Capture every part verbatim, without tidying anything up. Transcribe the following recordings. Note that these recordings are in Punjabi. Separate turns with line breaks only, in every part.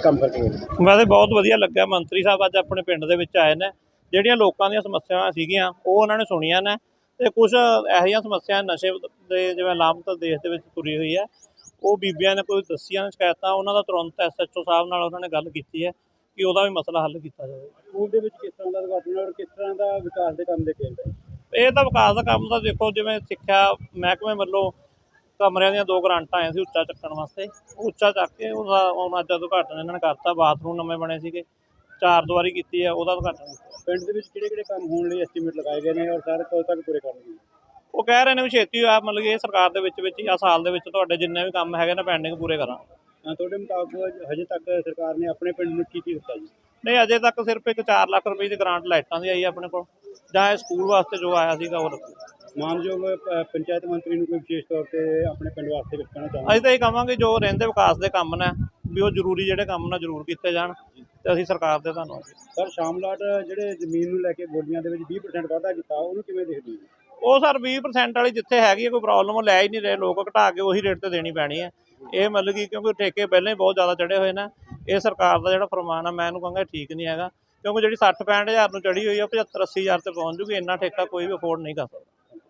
काम करके गए?
वैसे बहुत वधिया लग्या मंत्री साहब अज अपने पिंड दे विच आए ने ਜਿਹੜੀਆਂ ਲੋਕਾਂ ਦੀਆਂ ਸਮੱਸਿਆਵਾਂ ਸੀਗੀਆਂ ਉਹ ਉਹਨਾਂ ਨੇ ਸੁਣੀਆਂ ਨੇ ਤੇ ਕੁਝ ਇਹੋ ਜਿਹੀਆਂ ਸਮੱਸਿਆ ਨਸ਼ੇ ਦੇ ਜਿਵੇਂ ਲਾਮਤ ਦੇਸ਼ ਦੇ ਵਿੱਚ ਤੁਰੀ ਹੋਈ ਹੈ ਉਹ ਬੀਬੀਆਂ ਨੇ ਕੋਈ ਦੱਸੀਆਂ ਨੇ ਸ਼ਿਕਾਇਤਾਂ ਉਹਨਾਂ ਦਾ ਤੁਰੰਤ ਐਸ ਐਚ ਓ ਸਾਹਿਬ ਨਾਲ ਉਹਨਾਂ ਨੇ ਗੱਲ ਕੀਤੀ ਹੈ ਕਿ ਉਹਦਾ ਵੀ ਮਸਲਾ ਹੱਲ ਕੀਤਾ ਜਾਵੇ।
ਸਕੂਲ ਦੇ ਵਿੱਚ ਕਿਸ ਤਰ੍ਹਾਂ ਦਾ ਉਦਘਾਟਨ ਔਰ ਕਿਸ ਤਰ੍ਹਾਂ ਦਾ ਵਿਕਾਸ ਦੇ ਕੰਮ ਦੇ ਕੇਂਦਰ?
ਇਹ ਤਾਂ ਵਿਕਾਸ ਦਾ ਕੰਮ ਤਾਂ ਦੇਖੋ ਜਿਵੇਂ ਸਿੱਖਿਆ ਮਹਿਕਮੇ ਵੱਲੋਂ ਕਮਰਿਆਂ ਦੀਆਂ ਦੋ ਗਰਾਂਟਾਂ ਆਈਆਂ ਸੀ ਉੱਚਾ ਚੱਕਣ ਵਾਸਤੇ, ਉੱਚਾ ਚੱਕ ਕੇ ਉਹਦਾ ਹੁਣ ਅੱਜ ਉਦਘਾਟਨ ਇਹਨਾਂ ਨੇ ਕਰਤਾ। ਬਾਥਰੂਮ ਨਵੇਂ ਬਣੇ ਸੀਗੇ, ਚਾਰ ਦੀਵਾਰੀ ਕੀਤੀ ਹੈ, ਉਹਦਾ ਉਦਘਾਟਨ ਕੀਤਾ।
ਪਿੰਡ ਦੇ ਵਿੱਚ ਕਿਹੜੇ ਕਿਹੜੇ ਕੰਮ ਹੋਣ ਲਈ ਐਸਟੀਮੇਟ ਲਗਾਏ ਗਏ ਨੇ ਔਰ ਸਾਰੇ ਕਦੋਂ ਤੱਕ ਪੂਰੇ ਕਰਨਗੇ?
ਉਹ ਕਹਿ ਰਹੇ ਨੇ ਵੀ ਛੇਤੀ ਆ, ਮਤਲਬ ਕਿ ਇਹ ਸਰਕਾਰ ਦੇ ਵਿੱਚ ਵਿੱਚ ਜਾਂ ਸਾਲ ਦੇ ਵਿੱਚ ਤੁਹਾਡੇ ਜਿੰਨੇ ਵੀ ਕੰਮ ਹੈਗੇ ਨੇ ਪੈਂਡਿੰਗ ਪੂਰੇ ਕਰਾਂਗੇ।
ਤੁਹਾਡੇ ਮੁਤਾਬਕ ਹਜੇ ਤੱਕ ਸਰਕਾਰ ਨੇ ਆਪਣੇ ਪਿੰਡ ਨੂੰ ਕੀ ਕੀ ਦਿੱਤਾ ਜੀ?
ਨਹੀਂ, ਅਜੇ ਤੱਕ ਸਿਰਫ ਇੱਕ ਚਾਰ ਲੱਖ ਰੁਪਏ ਦੀ ਗ੍ਰਾਂਟ ਲਾਈਟਾਂ ਦੀ ਆਈ ਆਪਣੇ ਕੋਲ, ਜਾਂ ਇਹ ਸਕੂਲ ਵਾਸਤੇ ਜੋ ਆਇਆ ਸੀਗਾ ਉਹ ਰੱਖੋ।
ਮਾਨਯੋਗ ਪੰਚਾਇਤ ਮੰਤਰੀ ਨੂੰ ਕੋਈ ਵਿਸ਼ੇਸ਼ ਤੌਰ ਤੇ ਆਪਣੇ ਪਿੰਡ ਵਾਸਤੇ ਕੁਝ ਕਹਿਣਾ ਚਾਹੁੰਦੇ?
ਅਸੀਂ ਤਾਂ ਇਹ ਕਹਾਂਗੇ ਜੋ ਰਹਿੰਦੇ ਵਿਕਾਸ ਦੇ ਕੰਮ ਨੇ ਵੀ ਉਹ ਜ਼ਰੂਰੀ ਜਿਹੜੇ ਕੰਮ ਨੇ ਜ਼ਰੂਰ ਕੀਤੇ ਜਾਣ ਤੇ ਅਸੀਂ ਸਰਕਾਰ ਦੇ ਧੰਨਵਾਦ।
ਸਰ ਸ਼ਾਮਲਾਟ ਜਿਹੜੇ ਜ਼ਮੀਨ ਨੂੰ ਲੈ ਕੇ ਬੋਲੀਆਂ ਦੇ ਵਿੱਚ ਵੀਹ ਪਰਸੈਂਟ ਵਾਧਾ ਕੀਤਾ ਉਹਨੂੰ ਕਿਵੇਂ ਦੇਖਦੇ ਹੋ?
ਉਹ ਸਰ ਵੀਹ ਪਰਸੈਂਟ ਵਾਲੀ ਜਿੱਥੇ ਹੈਗੀ ਹੈ ਕੋਈ ਪ੍ਰੋਬਲਮ ਉਹ ਲੈ ਹੀ ਨਹੀਂ ਰਹੇ ਲੋਕ, ਘਟਾ ਕੇ ਉਹੀ ਰੇਟ ਤੇ ਦੇਣੀ ਪੈਣੀ ਹੈ। ਇਹ ਮਤਲਬ ਕਿ ਕਿਉਂਕਿ ਠੇਕੇ ਪਹਿਲਾਂ ਹੀ ਬਹੁਤ ਜ਼ਿਆਦਾ ਚੜ੍ਹੇ ਹੋਏ ਨੇ, ਇਹ ਸਰਕਾਰ ਦਾ ਜਿਹੜਾ ਫਰਮਾਨ ਹੈ ਮੈਂ ਇਹਨੂੰ ਕਹਾਂਗਾ ਠੀਕ ਨਹੀਂ ਹੈਗਾ, ਕਿਉਂਕਿ ਜਿਹੜੀ ਸੱਠ ਪੈਂਹਠ ਹਜ਼ਾਰ ਨੂੰ ਚੜ੍ਹੀ ਹੋਈ ਹੈ ਪਝੱਤਰ ਅੱਸੀ ਹਜ਼ਾਰ ਤੇ ਪਹੁੰਚ ਜੂਗੀ। ਇੰਨਾ ਠੇਕਾ ਕੋਈ ਵੀ ਅਫੋਰਡ ਨਹੀਂ ਕਰ ਸਕਦਾ।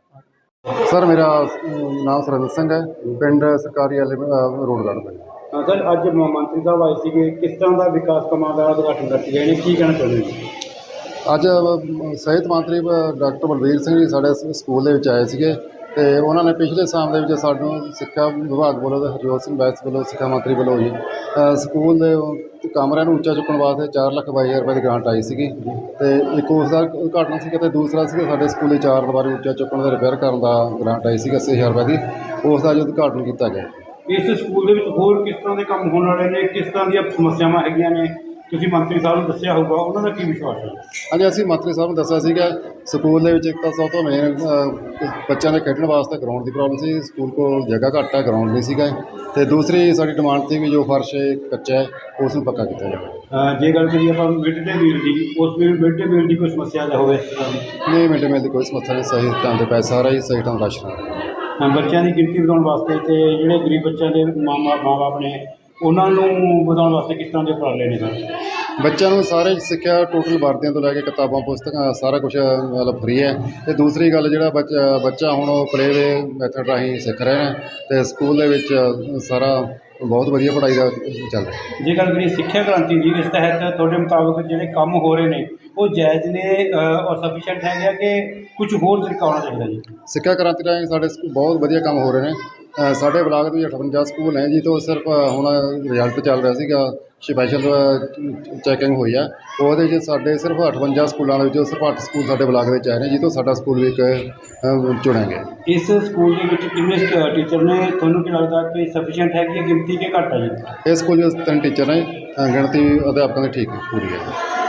सर मेरा नाम सुरेंद्र सिंह है, पिंड सरकारी वाले रोडगढ़ में।
हाँ सर, अज मंत्री साहब आए थे, किस तरह का विकास कामों का उद्घाटन करके गए हैं, की कहना चाहते हैं?
अज सिहत मंत्री डॉक्टर बलबीर सिंह जी साढ़े स्कूल के आए थे तो उन्होंने पिछले साल के सानू सिक्ख्या विभाग वालों हरजोत सिंह बैस वालों सिक्ख्या मंत्री वालों जी स्कूल के कमरिਆਂ ਉੱਚਾ चुकने वास्ते चार लख बाई हज़ार रुपये की ग्रांट आई सी तो एक उसका उद्घाटन से तो दूसरा साढ़े स्कूल की चार दीवारी ਉੱਚਾ चुकने का रिपेयर करने का ग्रांट आई सी अस्सी हज़ार रुपये की, उसका अज उद्घाटन किया गया।
इस स्कूल के होर किस तरह के काम होने वाले ने, किस तरह दी समस्यावां हैगियां ने, ਤੁਸੀਂ ਮੰਤਰੀ ਸਾਹਿਬ ਨੂੰ ਦੱਸਿਆ ਹੋਊਗਾ, ਉਹਨਾਂ ਦਾ ਕੀ ਵਿਸ਼ਵਾਸ ਹੈ?
ਹਾਂਜੀ, ਅਸੀਂ ਮੰਤਰੀ ਸਾਹਿਬ ਨੂੰ ਦੱਸਿਆ ਸੀਗਾ ਸਕੂਲ ਦੇ ਵਿੱਚ ਇੱਕ ਤਾਂ ਸਭ ਤੋਂ ਮੇਨ ਬੱਚਿਆਂ ਦੇ ਖੇਡਣ ਵਾਸਤੇ ਗਰਾਊਂਡ ਦੀ ਪ੍ਰੋਬਲਮ ਸੀ, ਸਕੂਲ ਕੋਲ ਜਗ੍ਹਾ ਘੱਟ ਹੈ, ਗਰਾਊਂਡ ਨਹੀਂ ਸੀਗਾ, ਅਤੇ ਦੂਸਰੀ ਸਾਡੀ ਡਿਮਾਂਡ ਸੀ ਵੀ ਜੋ ਫਰਸ਼ ਕੱਚਾ ਹੈ ਉਸ ਨੂੰ ਪੱਕਾ ਕੀਤਾ ਜਾਵੇ।
ਜੇ ਗੱਲ ਕਰੀਏ ਆਪਾਂ ਮਿਡ ਡੇ ਮੀਲ ਦੀ, ਉਸ ਮਿਡ ਡੇ ਮੀਲ ਦੀ ਕੋਈ ਸਮੱਸਿਆ ਹੋਵੇ ਇਸ ਤਰ੍ਹਾਂ ਦੀ?
ਨਹੀਂ, ਮਿਡ ਡੇ ਮੀਲ ਦੀ ਕੋਈ ਸਮੱਸਿਆ ਨਹੀਂ, ਸਹੀ ਟਾਈਮ 'ਤੇ ਪੈਸਾ ਆ ਰਿਹਾ ਜੀ, ਸਹੀ ਟਾਈਮ ਰਾਸ਼ਨ ਆ ਰਿਹਾ।
ਬੱਚਿਆਂ ਦੀ ਗਿਣਤੀ ਵਧਾਉਣ ਵਾਸਤੇ ਅਤੇ ਜਿਹੜੇ ਗਰੀਬ ਬੱਚਿਆਂ ਦੇ ਮਾਂ ਮਾਂ ਬਾਪ ਨੇ ਉਹਨਾਂ ਨੂੰ ਵਧਾਉਣ ਵਾਸਤੇ ਕਿਸ ਤਰ੍ਹਾਂ ਦੇ ਉਪਰਾਲੇ ਨੇ ਸਰ?
ਬੱਚਿਆਂ ਨੂੰ ਸਾਰੇ ਸਿੱਖਿਆ ਟੋਟਲ ਵਰਦੀਆਂ ਤੋਂ ਲੈ ਕੇ ਕਿਤਾਬਾਂ ਪੁਸਤਕਾਂ ਸਾਰਾ ਕੁਛ ਮਤਲਬ ਫਰੀ ਹੈ। ਅਤੇ ਦੂਸਰੀ ਗੱਲ ਜਿਹੜਾ ਬੱਚਾ ਬੱਚਾ ਹੁਣ ਉਹ ਪਲੇਵੇ ਮੈਥਡ ਰਾਹੀਂ ਸਿੱਖ ਰਹੇ ਨੇ ਅਤੇ ਸਕੂਲ ਦੇ ਵਿੱਚ ਸਾਰਾ ਬਹੁਤ ਵਧੀਆ ਪੜ੍ਹਾਈ ਦਾ ਚੱਲ ਰਿਹਾ।
ਜੇ ਗੱਲ ਕਰੀਏ ਸਿੱਖਿਆ ਕ੍ਰਾਂਤੀ ਦੀ, ਇਸ ਤਹਿਤ ਤੁਹਾਡੇ ਮੁਤਾਬਕ ਜਿਹੜੇ ਕੰਮ ਹੋ ਰਹੇ ਨੇ ਉਹ ਜਾਇਜ਼ ਨੇ ਔਰ ਸਫੀਸ਼ੀਐਂਟ ਹੈਗਾ ਕਿ ਕੁਝ ਹੋਰ ਤਰੀਕਾ ਹੋਣਾ ਚਾਹੀਦਾ ਜੀ?
ਸਿੱਖਿਆ ਕ੍ਰਾਂਤੀ ਰਾਹੀਂ ਸਾਡੇ ਬਹੁਤ ਵਧੀਆ ਕੰਮ ਹੋ ਰਹੇ ਨੇ। ਸਾਡੇ ਬਲਾਕ ਦੇ ਵਿੱਚ ਅਠਵੰਜਾ ਸਕੂਲ ਨੇ ਜੀ, ਤੋਂ ਸਿਰਫ ਹੁਣ ਰਿਜ਼ਲਟ ਚੱਲ ਰਿਹਾ ਸੀਗਾ, ਸਪੈਸ਼ਲ ਚੈਕਿੰਗ ਹੋਈ ਆ, ਉਹਦੇ 'ਚ ਸਾਡੇ ਸਿਰਫ ਅਠਵੰਜਾ ਸਕੂਲਾਂ ਦੇ ਵਿੱਚੋਂ ਸਿਰਫ ਅੱਠ ਸਕੂਲ ਸਾਡੇ ਬਲਾਕ ਦੇ ਵਿੱਚ ਆਏ ਨੇ, ਜਿੱਥੋਂ ਸਾਡਾ ਸਕੂਲ ਵੀ ਇੱਕ ਚੁਣਿਆ ਗਿਆ।
ਇਸ ਸਕੂਲ ਦੇ ਵਿੱਚ ਕਿੰਨੇ ਟੀਚਰ ਨੇ? ਤੁਹਾਨੂੰ ਕੀ ਲੱਗਦਾ ਕਿ ਸਫੀਸ਼ੀਐਂਟ ਹੈਗੀ ਹੈ ਗਿਣਤੀ ਕਿ ਘੱਟ ਹੈ ਜੀ?
ਇਸ ਸਕੂਲ 'ਚ ਤਿੰਨ ਟੀਚਰ ਨੇ, ਗਿਣਤੀ ਅਧਿਆਪਕਾਂ ਦੀ ਠੀਕ ਪੂਰੀ ਹੈ।